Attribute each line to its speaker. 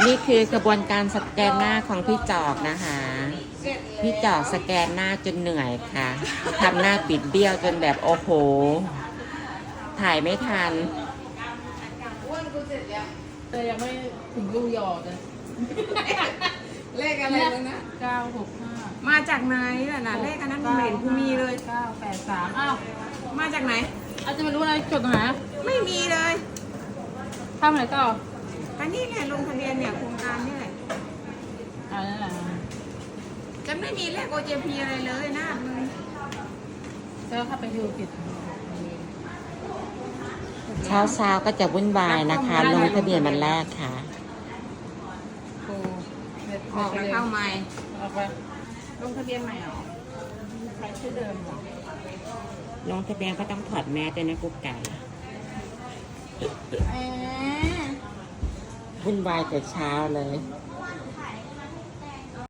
Speaker 1: นี่คือกระบวนการสแกนหน้าของพี่จอกนะคะ พี่จอกสแกนหน้าจนเหนื่อยค่ะทำหน้าปิดเบี้ยวจนแบบโอ้โห ถ่ายไม่ทัน
Speaker 2: แต่ยังไม่ถึงรูหยอดเลย
Speaker 3: เลขอะไรแล้วนะ
Speaker 2: 965
Speaker 3: มาจากไหนล่ะนะเลขอันนั้นไม่เห็นกูมีเลย
Speaker 2: 983อ้าว
Speaker 3: มาจากไหน
Speaker 2: อาจจะไม่รู้อะไรจดหา
Speaker 3: ไม่มีเลย
Speaker 2: ทำอะไรต่อ
Speaker 3: อันนี้เนี่ยลงทะเบียนเนี่ยโครงการนี่แหละ
Speaker 2: นั่นแหละ
Speaker 3: จะไม่มีเลข OJP อะไรเลยนะมึง
Speaker 2: แล้วเข้าไปดูผิด
Speaker 1: เช้าก็จะวุ่นวายนะคะ ลงทะเบียนวันแรกค่ะ
Speaker 2: โอ้เน็ต
Speaker 3: ออกแล้วเข้าใหม่
Speaker 2: ออกไป
Speaker 3: ลงทะเบียนใหม่เหรอ
Speaker 2: ใช้ชื่อเดิมเหรอ
Speaker 1: ลงทะเบียนก็ต้องถอดแมสด้วยนะกุ๊กไก่ วุ่นวายแต่เช้าเลย
Speaker 3: เ